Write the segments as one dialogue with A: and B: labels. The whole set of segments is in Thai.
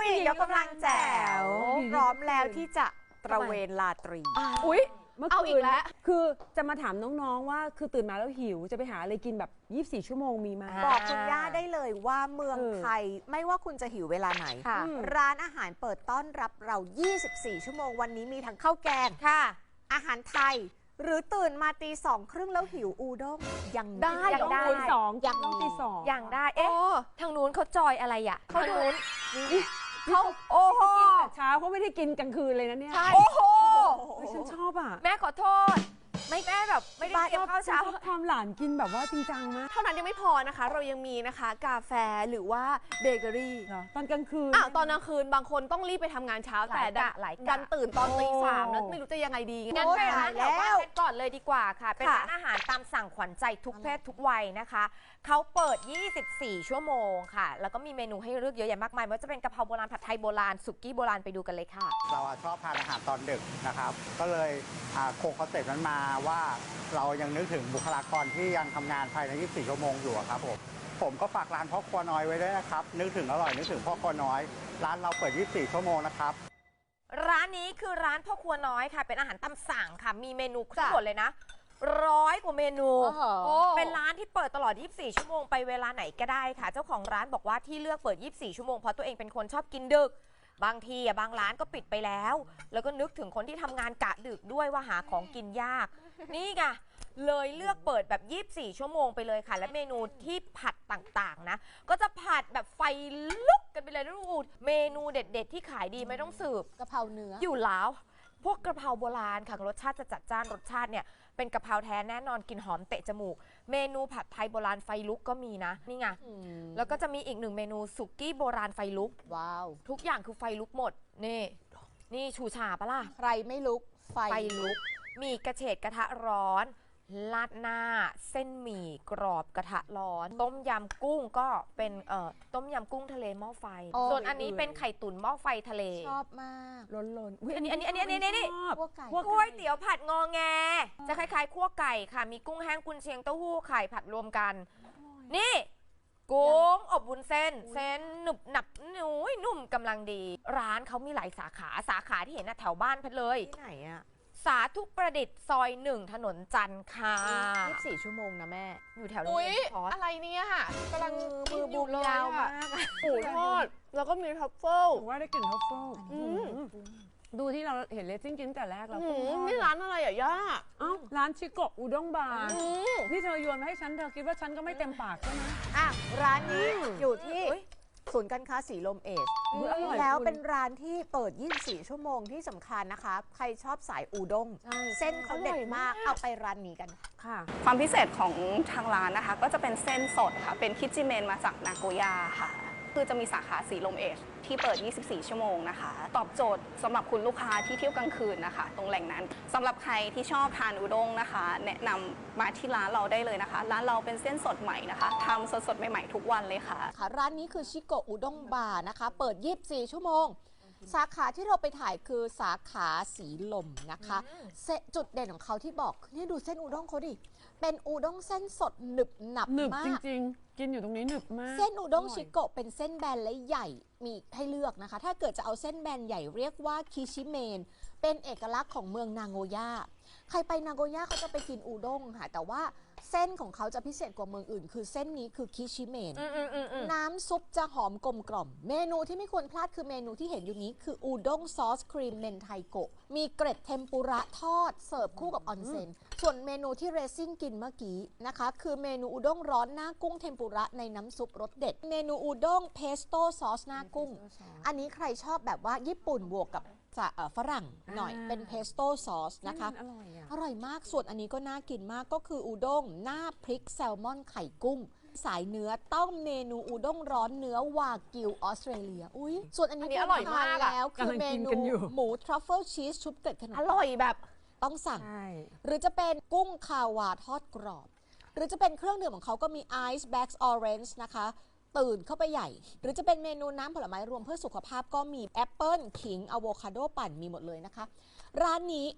A: ยกกำลังแจ๋วพร้อมแล้วที่จะตระเวนราตรี
B: อุ๊ย
C: เมื่อคืนคือจะมาถามน้องๆว่าคือตื่นมาแล้วหิวจะไปหาอะไรกินแบบ24 ชั่วโมงมีไหม
A: บอกคุณย่าได้เลยว่าเมืองไทยไม่ว่าคุณจะหิวเวลาไหนร้านอาหารเปิดต้อนรับเรา24 ชั่วโมงวันนี้มีทั้งข้าวแกงอาหารไทยหรือตื่นมาตี2:30แล้วหิวอูด้งยัง
B: ได้
C: ยังได้ยังต้องตีสอง
B: ยังได้ทางนู้นเขาจอยอะไรอ่ะทางนู้นเขาโอ้โห
C: เช้าเขาไม่ได้กินกลางคืนเลยนะเนี่ย
B: โอ้โห
C: ฉันชอบอ่ะ
B: แม่ขอโทษแม่แบบไม่ได้เตรียมข้าวเช้า
C: ความหลานกินแบบว่าจริงจังนะ
B: เท่านั้นยังไม่พอนะคะเรายังมีนะคะกาแฟหรือว่าเบเกอรี่
C: ตอนกลางคืน
B: ตอนกลางคืนบางคนต้องรีบไปทำงานเช้าแต่ดันตื่นตอนตี 3แล้วไม่รู้จะยังไงดีงั้นไปร้านแถวบ้านก่อนเลยดีกว่าค่ะเป็นร้านอาหารตามสั่งขวัญใจทุกเพศทุกวัยนะคะเขาเปิด24 ชั่วโมงค่ะแล้วก็มีเมนูให้เลือกเยอะแยะมากมายไม่ว่าจะเป็นกะเพราโบราณผัดไทยโบราณสุกี้โบราณไปดูกันเลยค่ะ
D: เราชอบทานอาหารตอนดึกนะครับก็เลยคงคอนเซ็ปต์นั้นมาว่าเรายังนึกถึงบุคลากรที่ยังทำงานภายใน24 ชั่วโมงอยู่ครับผมก็ฝากร้านพ่อครัวน้อยไว้ด้วยนะครับนึกถึงอร่อยนึกถึงพ่อครัวน้อยร้านเราเปิด24 ชั่วโมงนะครับ
B: ร้านนี้คือร้านพ่อครัวน้อยค่ะเป็นอาหารตามสั่งค่ะมีเมนูทั้งหมดเลยนะ100 กว่าเมนูเป็นร้านที่เปิดตลอด24 ชั่วโมงไปเวลาไหนก็ได้ค่ะเจ้าของร้านบอกว่าที่เลือกเปิด24 ชั่วโมงเพราะตัวเองเป็นคนชอบกินดึกบางทีบางร้านก็ปิดไปแล้วแล้วก็นึกถึงคนที่ทำงานกะดึกด้วยว่าหาของกินยากนี่ไงเลยเลือกเปิดแบบ24 ชั่วโมงไปเลยค่ะและเมนูที่ผัดต่างๆนะก็จะผัดแบบไฟลุกกันไปเลยนะลูกเมนูเด็ดๆที่ขายดีไม่ต้องสืบ
A: กะเพราเนื้อ
B: อยู่แล้วพวกกะเพราโบราณค่ะรสชาติจะจัดจ้านรสชาติเนี่ยเป็นกะเพราแท้แน่นอนกลิ่นหอมเตะจมูกเมนูผัดไทยโบราณไฟลุกก็มีนะนี่ไงแล้วก็จะมีอีก1 เมนูสุกี้โบราณไฟลุก
A: ว้าว
B: ทุกอย่างคือไฟลุกหมดนี่ชูชาปะล่ะ
A: ใครไม่ลุกไฟ
B: ลุกมีกระเฉดกระทะร้อนลาดหน้าเส้นหมี่กรอบกระทะร้อนต้มยำกุ้งก็เป็นต้มยำกุ้งทะเลหม้อไฟส่วนอันนี้เป็นไข่ตุ๋นหม้อไฟทะเล
A: ชอบมาก
C: ล้น
B: อันนี้ก๋วยเตี๋ยวผัดงอแงจะคล้ายๆคั่วไก่ค่ะมีกุ้งแห้งกุนเชียงเต้าหู้ไข่ผัดรวมกันนี่กุ้งอบวุ้นเส้นหนุบหนับนุ่มกำลังดีร้านเขามีหลายสาขาที่เห็นแถวบ้านเพชรเลย
A: ที่ไหนอะ
B: สาธุประดิษฐ์ซอย1ถนนจันทร์ค่ะ
A: 24 ชั่วโมงนะแม่
B: อยู่แถวนี้
A: อะไรเนี่ยกำลังมือบูมยาวมาก
B: หมูทอดแล้วก็มีทัฟเฟิล
C: ว่าได้กลิ่นทัฟเฟิลดูที่เราเห็นเลสซิ่งกินแต่แรกแล้ว
B: นี่ร้านอะไรอ่ะย่า
C: ร้านชิโกะอุด้งบาร์นี่เธอโยนมาให้ฉันเธอคิดว่าฉันก็ไม่เต็มปากใช่ไหม
A: ร้านนี้อยู่ที่ศูนย์การค้าสีลมเอชแล้วเป็นร้านที่เปิด24 ชั่วโมงที่สำคัญนะคะใครชอบสายอูด้งเส้นเขาเด็ดมากเอาไปร้านนี้กัน
E: ค่ะความพิเศษของทางร้านนะคะก็จะเป็นเส้นสดค่ะเป็นคิจิเมนมาจากนาโกย่าค่ะคือจะมีสาขาสีลมเอชที่เปิด24 ชั่วโมงนะคะตอบโจทย์สำหรับคุณลูกค้าที่เที่ยวกลางคืนนะคะตรงแหล่งนั้นสำหรับใครที่ชอบทานอุด้งนะคะแนะนำมาที่ร้านเราได้เลยนะคะร้านเราเป็นเส้นสดใหม่นะคะทำสดๆใหม่ๆทุกวันเลยค่ะ
A: ร้านนี้คือชิโกะอุด้งบาร์นะคะเปิด24 ชั่วโมงสาขาที่เราไปถ่ายคือสาขาสีลมนะคะจุดเด่นของเขาที่บอกนี่ดูเส้นอูด้งเขาดิเป็นอูด้งเส้นสดหนึบหนับมาก
C: จริงๆกินอยู่ตรงนี้หนึบมาก
A: เส้นอูด้งชิโกะเป็นเส้นแบนและใหญ่มีให้เลือกนะคะถ้าเกิดจะเอาเส้นแบนใหญ่เรียกว่าคิชิเมนเป็นเอกลักษณ์ของเมืองนาโกย่าใครไปนาโกย่าเขาจะไปกินอูด้งค่ะแต่ว่าเส้นของเขาจะพิเศษกว่าเมืองอื่นคือเส้นนี้คือคิชิเมนน้ำซุปจะหอมกลมกล่อมเมนูที่ไม่ควรพลาดคือเมนูที่เห็นอยู่นี้คืออูด้งซอสครีมเมนไทโกะมีเกร็ดเทมปุระทอดเสิร์ฟคู่กับออนเซ็นส่วนเมนูที่เรซิ่งกินเมื่อกี้นะคะคือเมนูอูด้งร้อนหน้ากุ้งเทมปุระในน้ำซุปรสเด็ดเมนูอูด้งเพสโต้ซอสหน้ากุ้งอันนี้ใครชอบแบบว่าญี่ปุ่นบวกกับฝรั่งหน่อยเป็นเพสโต้ซอสนะคะอร่อยมากส่วนอันนี้ก็น่ากินมากก็คืออูด้งหน้าพริกแซลมอนไข่กุ้งสายเนื้อต้องเมนูอูด้งร้อนเนื้อวากิวออสเตรเลียส่วนอันนี้
B: อร่อยมาก
A: แล้วคือเมนูหมูทรัฟเฟิลชีสชุบเกล็ดขนม
B: อร่อยแบบ
A: ต้องสั่งหรือจะเป็นกุ้งคาวาทอดกรอบหรือจะเป็นเครื่องดื่มของเขาก็มีไอซ์แบล็กออเรนจ์นะคะตื่นเข้าไปใหญ่หรือจะเป็นเมนูน้ำผลไม้รวมเพื่อสุขภาพก็มีแอปเปิ้ลขิงอะโวคาโดปั่นมีหมดเลยนะคะร้านนี้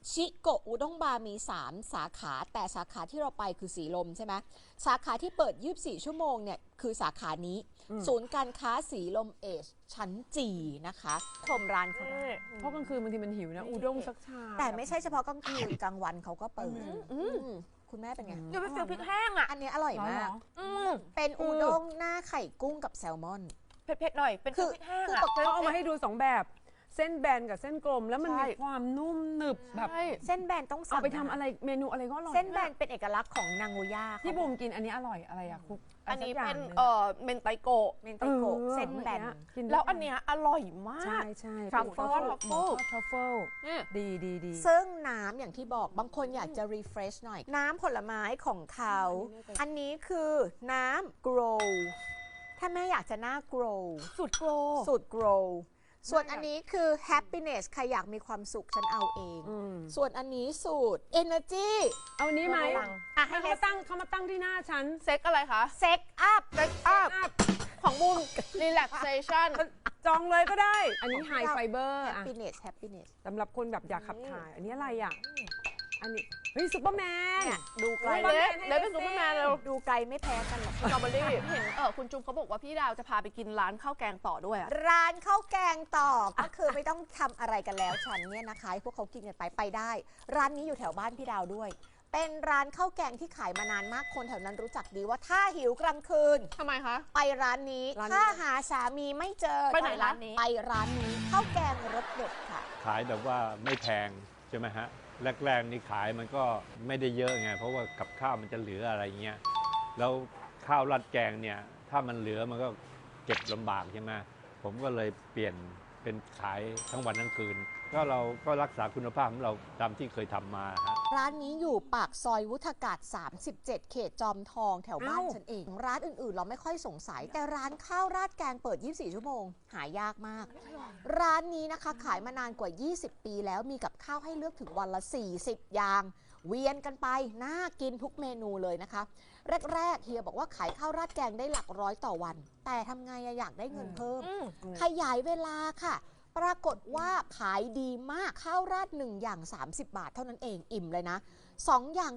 A: ชิโกะอุด้งบาร์มี 3 สาขาแต่สาขาที่เราไปคือสีลมใช่ไหมสาขาที่เปิด 24 ชั่วโมงเนี่ยคือสาขานี้ ศูนย์การค้าสีลมเอชชั้นจีนะคะชมร้านเขาได้
C: เพราะกลางคืนบางทีมันหิวนะอูด้งสักชาม
A: แต่ไม่ใช่เฉพาะกลางคืนกลางวันเขาก็เปิดคุณแม่เป็นไง
B: เดี๋ยวไปฟิลพริกแห้งอ่ะ
A: อันนี้อร่อยมาก
B: อืม
A: เป็นอูด้งหน้าไข่กุ้งกับแซลมอน
B: เผ็ดๆหน่อยเป็นฟิลพริกแห้ง
A: คือ
B: อ่ะ
C: เขาเอามาให้ดู2แบบเส้นแบนกับเส้นกลมแล้วมันมีความนุ่มหนึบแบบ
B: ใช่
A: เส้นแบนต้องสั่
C: เอา
A: ง
C: ไปทำอะไรเมนูอะไรก็อร่อย
A: เส้นแบนเป็นเอกลักษณ์ของนางโงย่า
C: ที่บูมกินอันนี้อร่อยอะไรอะคุก
B: อันนี้
C: สักย่าง
B: เป็น
C: หง
B: เมนไตโกะ
A: เมนไตโกะเส้นแบน
C: กิได้
B: แล้วอันเนี้ยอร่อยมาก
C: ใช่ใช่
B: ทรัฟเฟิล
C: ทรัฟเฟิล
B: นี่
C: ดีดีดี
A: ซึ่งน้ำอย่างที่บอกบางคนอยากจะ refresh หน่อย น้ำผลไม้ของเขา อันนี้คือน้ำ grow ถ้าแม่อยากจะหน้า grow
B: สุดโกร
A: สูตร grow ส่วนอันนี้คือ happiness ใครอยากมีความสุขฉันเอาเอง ส่วนอันนี้สูตร energy
C: เอานี้ไหม
A: อ่ะให้
C: เขา
A: เล
C: มาตั้งเขามาตั้งที่หน้าฉัน
B: เซ็กอะไรคะ
A: set up
B: เซ็กอัพของบูม relaxation
C: จองเลยก็ได้ อันนี้ไฮไฟเบอร์
A: happiness happiness
C: สำหรับคนแบบอยากขับถ่าย อันนี้อะไรอ่ะ อันนี้เฮ้ยซุปเปอร์แมน
A: เนี่ยดูไกล
B: เฮ้ย เลยเป็นซุปเปอร์แมนเลย
A: ดูไกลไม่แพ้กันหรอก
B: สตรอเบอรี่เห็นคุณจุ๊บเขาบอกว่าพี่ดาวจะพาไปกินร้านข้าวแกงต่อด้วยอะ
A: ร้านข้าวแกงต่อ ก็คือไม่ต้องทำอะไรกันแล้วฉันเนี่ยนะคะให้พวกเขากินกันไปได้ ร้านนี้อยู่แถวบ้านพี่ดาวด้วย เป็นร้านข้าวแกงที่ขายมานานมากคนแถวนั้นรู้จักดีว่าถ้าหิวกลางคืน
B: ทำไมคะ
A: ไปร้านนี้
C: ร้านนี้
A: ถ้าหาสามีไม่เจอ
B: ไปไหนร้านนี้
A: ไปร้านนี้ข้าวแกงรสเด็ดค่ะ
F: ขายแบบว่าไม่แพงใช่ไหมฮะแรกๆนี่ขายมันก็ไม่ได้เยอะไงเพราะว่ากับข้าวมันจะเหลืออะไรเงี้ยแล้วข้าวราดแกงเนี่ยถ้ามันเหลือมันก็เก็บลำบากใช่ไหมผมก็เลยเปลี่ยนเป็นขายทั้งวันทั้งคืนก็เราก็รักษาคุณภาพของเราตามที่เคยทำมาฮะ
A: ร้านนี้อยู่ปากซอยวุฒากาศ 37 เขตจอมทองแถวบ้านฉันเอง ร้านอื่นๆ เราไม่ค่อยสงสัย แต่ร้านข้าวราดแกงเปิด 24 ชั่วโมง หายากมาก ร้านนี้นะคะขายมานานกว่า 20 ปีแล้วมีกับข้าวให้เลือกถึงวันละ 40 อย่าง เวียนกันไป น่ากินทุกเมนูเลยนะคะ แรกๆเฮียบอกว่าขายข้าวราดแกงได้หลักร้อยต่อวัน แต่ทำไงอะอยากได้เงินเพิ่ม ขยายเวลาค่ะ ปรากฏว่าขายดีมากข้าวราด1อย่าง30 บาทเท่านั้นเองอิ่มเลยนะ2อย่าง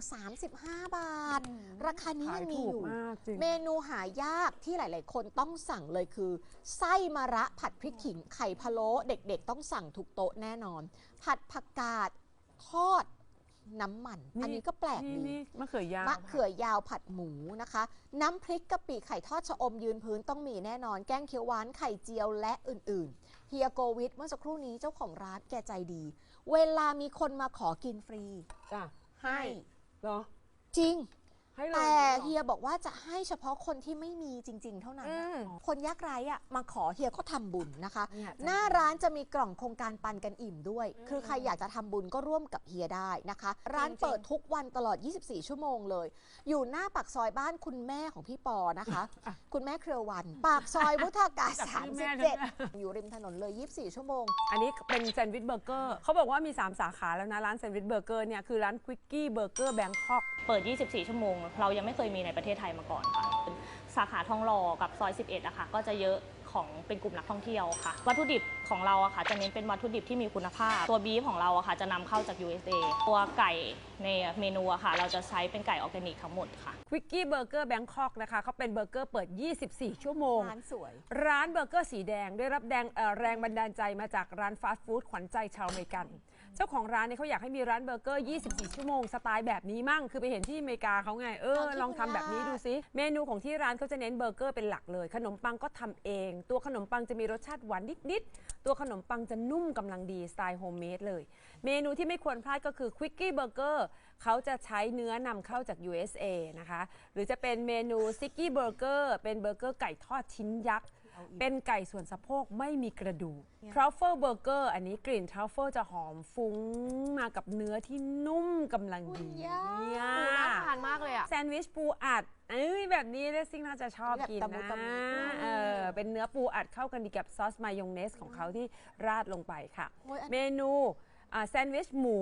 A: 35 บาท ราคานี้
C: ขาย
A: ยังมี
C: ถู
A: อก ยู่
C: มากจริง
A: เมนูหายากที่หลาย ๆ คนต้องสั่งเลยคือ ไส้มะระผัดพริกขิงไข่พะโล้เด็ก ๆ ต้องสั่งทุกโต๊ะแน่นอน ผัดผักกาดทอดน้ำมัน อันนี้ก็แปลกดี
C: นี่มะเขือยาว
A: มะเขือยาวผัดหมูนะคะ น้ำพริกกะปิไข่ทอดชะอมยืนพื้นต้องมีแน่นอน แกงเขียวหวานไข่เจียวและอื่นๆเฮียโกวิทเมื่อสักครู่นี้เจ้าของร้านแกใจดี เวลามีคนมาขอกินฟรี
C: จ้ะ
A: ให้
C: เหรอ
A: จริง
C: ให้เลย
A: แต่
C: หรอ
A: เฮียบอกว่าจะให้เฉพาะคนที่ไม่มีจริง ๆ เท่านั้น คนยากไร้อะมาขอเฮียก็ทำบุญนะคะ
C: เนี่ย
A: หน้าร้านจะมีกล่องโครงการปันกันอิ่มด้วย คือใครอยากจะทำบุญก็ร่วมกับเฮียได้นะคะ ร้านเปิดทุกวันตลอด 24 ชั่วโมงเลย อยู่หน้าปากซอยบ้านคุณแม่ของพี่ปอนะคะ คุณแม่เครือวัน ปากซอยวุฒากาศ 37 อยู่ริมถนนเลย 24 ชั่วโมง
C: อันนี้เป็นแซนด์วิชเบอร์เกอร์เขาบอกว่ามี 3 สาขาแล้วนะ ร้านแซนด์วิชเบอร์เกอร์เนี่ยคือร้านควิกกี้เบอร์เกอร์แบงคอก
G: เปิด 24 ชั่วโมง เรายังไม่เคยมีในประเทศไทยมาก่อนค่ะ สาขาทองหล่อกับซอย 11อะค่ะ ก็จะเยอะของเป็นกลุ่มนักท่องเที่ยวค่ะ วัตถุดิบของเราอะค่ะ จะเน้นเป็นวัตถุดิบที่มีคุณภาพ ตัวบีฟของเราอะค่ะ จะนำเข้าจาก USA ตัวไก่ในเมนูอะค่ะ เราจะใช้เป็นไก่ออร์แกนิกทั้งหมดค่ะ
C: ควิกกี้เบอร์เกอร์แบงคอกนะคะเขาเป็นเบอร์เกอร์เปิด 24 ชั่วโมง
A: ร้านสวย
C: ร้านเบอร์เกอร์สีแดงได้รับแรงบันดาลใจมาจากร้านฟาสต์ฟู้ดขวัญใจชาวอเมริกัน เจ้าของร้านเนี่ยเขาอยากให้มีร้านเบอร์เกอร์ 24 ชั่วโมงสไตล์แบบนี้มั่ง คือไปเห็นที่อเมริกาเขาไง ลองทำแบบนี้ดูซิ เมนูของที่ร้านเขาจะเน้นเบอร์เกอร์เป็นหลักเลย ขนมปังก็ทำเอง ตัวขนมปังจะมีรสชาติหวานนิดๆ ตัวขนมปังจะนุ่มกำลังดีสไตล์โฮมเมดเลย เมนูที่ไม่ควรพลาดก็คือควิกกี้เบอร์เกอร์เขาจะใช้เนื้อนำเข้าจาก USA นะคะ หรือจะเป็นเมนูซิกกี้เบอร์เกอร์เป็นเบอร์เกอร์ไก่ทอดชิ้นยักษ์ เป็นไก่ส่วนสะโพกไม่มีกระดูกทรัฟเฟิลเบอร์เกอร์อันนี้กลิ่นทรัฟเฟิลจะหอมฟุ้งมากับเนื้อที่นุ่มกำลังดีเนี่ย
B: น่าทานมากเลยอะ
C: แซนด์วิชปูอัดแบบนี้เลสซิ่งน่าจะชอบกิน
A: แบบตะมุ
C: นะ
A: ตะมิ
C: เป็นเนื้อปูอัดเข้ากันดีกับซอสมายองเนสของเขาที่ราดลงไปค่ะ
A: โอ้ยอัน
C: เมนูแซนด์วิชหมู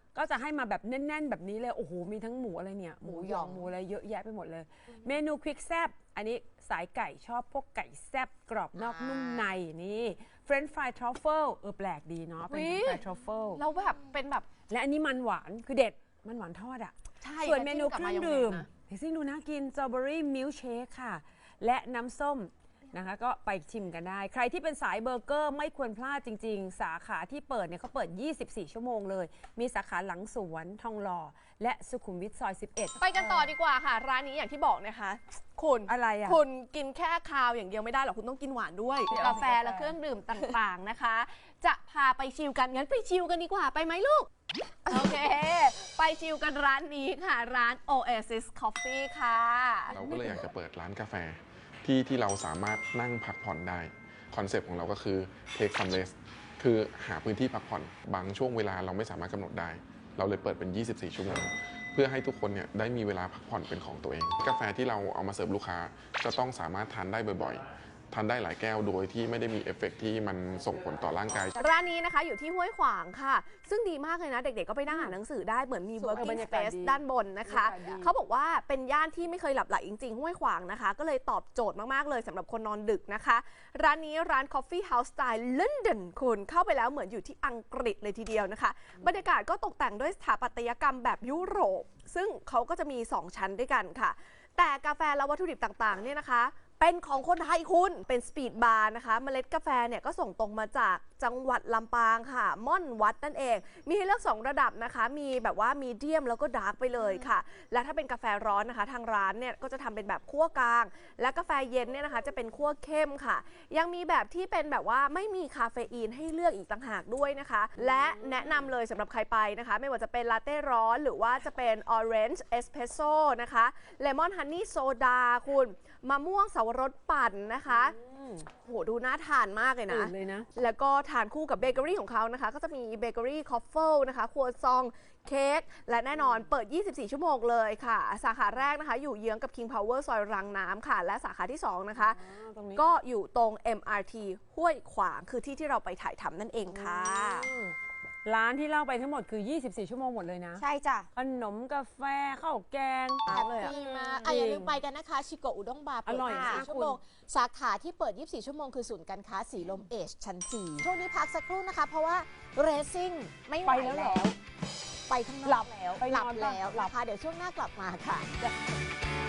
C: ก็จะให้มาแบบแน่นๆแบบนี้เลยโอ้โหมีทั้งหมูอะไรเนี่ยหมูหยองหมูอะไรเยอะแยะไปหมดเลย เมนูควิกแซบอันนี้สายไก่ชอบพวกไก่แซบกรอบนอกนุ่มในนี่เฟรนช์ฟรายทรัฟเฟิลแปลกดีเนาะเป็นเฟรนช์ฟรายทรัฟเฟิล
B: เราแบบเป็นแบบ
C: และอันนี้มันหวานคือเด็ดมันหวานทอดอ่ะ
B: ใช่
C: ส่วนเมนู
B: กับ
C: เครื่อง
B: มายองเนส
C: ดื่ม
B: นะ
C: เดี๋ยวซิ่งดูน่ากินสตรอเบอรี่มิลค์เชคค่ะ และน้ำส้มนะคะก็ไปชิมกันได้ ใครที่เป็นสายเบอร์เกอร์ไม่ควรพลาดจริงๆ สาขาที่เปิดเนี่ยเขาเปิด 24 ชั่วโมงเลย มีสาขาหลังสวนทองหล่อและสุขุมวิทซอย 11
H: ไปกันต่อดีกว่าค่ะ ร้านนี้อย่างที่บอกนะคะ คุณ
C: อะไรอ่ะ
H: คุณกินแค่คาวอย่างเดียวไม่ได้หรอกคุณต้องกินหวานด้วย กาแฟและเครื่องดื่มต่างๆนะคะ จะพาไปชิลกันงั้นไปชิลกันดีกว่าไปไหมลูก โอเค ไปชิลกันร้านนี้ค่ะ ร้าน Oasis Coffee ค่ะ
I: เราก็เลยอยากจะเปิดร้านกาแฟที่เราสามารถนั่งพักผ่อนได้คอนเซปต์ของเราก็คือ take some rest คือหาพื้นที่พักผ่อนบางช่วงเวลาเราไม่สามารถกำหนดได้ เราเลยเปิดเป็น 24 ชั่วโมง เพื่อให้ทุกคนเนี่ยได้มีเวลาพักผ่อนเป็นของตัวเอง กาแฟที่เราเอามาเสิร์ฟลูกค้าจะต้องสามารถทานได้บ่อยๆทานได้หลายแก้วโดยที่ไม่ได้มีเอฟเฟกต์ที่มันส่งผลต่อร่างกาย
H: ร้านนี้นะคะอยู่ที่ห้วยขวางค่ะ ซึ่งดีมากเลยนะ เด็กๆก็ไปนั่งอ่านหนังสือได้เหมือนมี
C: บร
H: working
C: รยากาศ
H: space
C: ดี
H: ด้านบนนะคะ
C: บรรยากาศดี
H: เขาบอกว่าเป็นย่านที่ไม่เคยหลับไหลจริงๆห้วยขวางนะคะ ก็เลยตอบโจทย์มากๆเลยสำหรับคนนอนดึกนะคะ ร้านนี้ร้าน Coffee House Style London คุณเข้าไปแล้วเหมือนอยู่ที่อังกฤษเลยทีเดียวนะคะ บรรยากาศก็ตกแต่งด้วยสถาปัตยกรรมแบบยุโรป ซึ่งเขาก็จะมี 2 ชั้นด้วยกันค่ะ แต่กาแฟและวัตถุดิบต่างๆเนี่ยนะคะ เป็นของคนไทยคุณเป็นสปีดบาร์นะคะเมล็ดกาแฟเนี่ยก็ส่งตรงมาจากจังหวัดลำปางค่ะม่อนวัดนั่นเอง มีให้เลือก2ระดับนะคะมีแบบว่ามีเดียมแล้วก็ดาร์กไปเลยค่ะ และถ้าเป็นกาแฟร้อนนะคะ ทางร้านเนี่ยก็จะทำเป็นแบบคั่วกลาง และกาแฟเย็นเนี่ยนะคะจะเป็นคั่วเข้มค่ะ ยังมีแบบที่เป็นแบบว่าไม่มีคาเฟอีนให้เลือกอีกต่างหากด้วยนะคะ และแนะนำเลยสำหรับใครไปนะคะ ไม่ว่าจะเป็นลาเต้ร้อนหรือว่าจะเป็นออเรนจ์เอสเพรสโซ่นะคะเลมอนฮันนี่โซดาคุณมะม่วงสาวรสปั่นนะคะโหดูน่าทานมากเลยนะ
C: ตื่นเลยนะ
H: แล้วก็ทานคู่กับเบเกอรี่ของเขานะคะ ก็จะมีเบเกอรี่คอฟเฟิลนะคะครัวซองเค้กและแน่นอนเปิด 24 ชั่วโมงเลยค่ะ สาขาแรกนะคะ อยู่เยื้องกับ King Power ซอยรังน้ำค่ะ และสาขาที่ 2 นะคะ
C: ตรงนี้
H: ก็อยู่ตรง MRT ห้วยขวางคือที่เราไปถ่ายทำนั่นเองค่ะ
C: ร้านที่เล่าไปทั้งหมดคือ 24 ชั่วโมงหมดเลยนะ
A: ใช่จ้ะ
C: ขนมกาแฟข้าวแกง
A: แฮปปี้มากอย่าลืมไปกันนะคะ ชิโกะอุด้งบาร์เปิด
C: อร่อยมาก
A: 24 ชั่วโมง สาขาที่เปิด 24 ชั่วโมงคือศูนย์การค้าสีลมเอชชั้น 4 ช่วงนี้พักสักครู่นะคะ เพราะว่าเรซิ่งไม่ไหว
C: ไปแล้วเหรอ
A: ไปข้างนอกแล้ว
C: ไป
A: ห
C: น
A: ลั
C: อบ นปะ
A: แล้วนะคะเดี๋ยวช่วงหน้ากลับมาค่ะ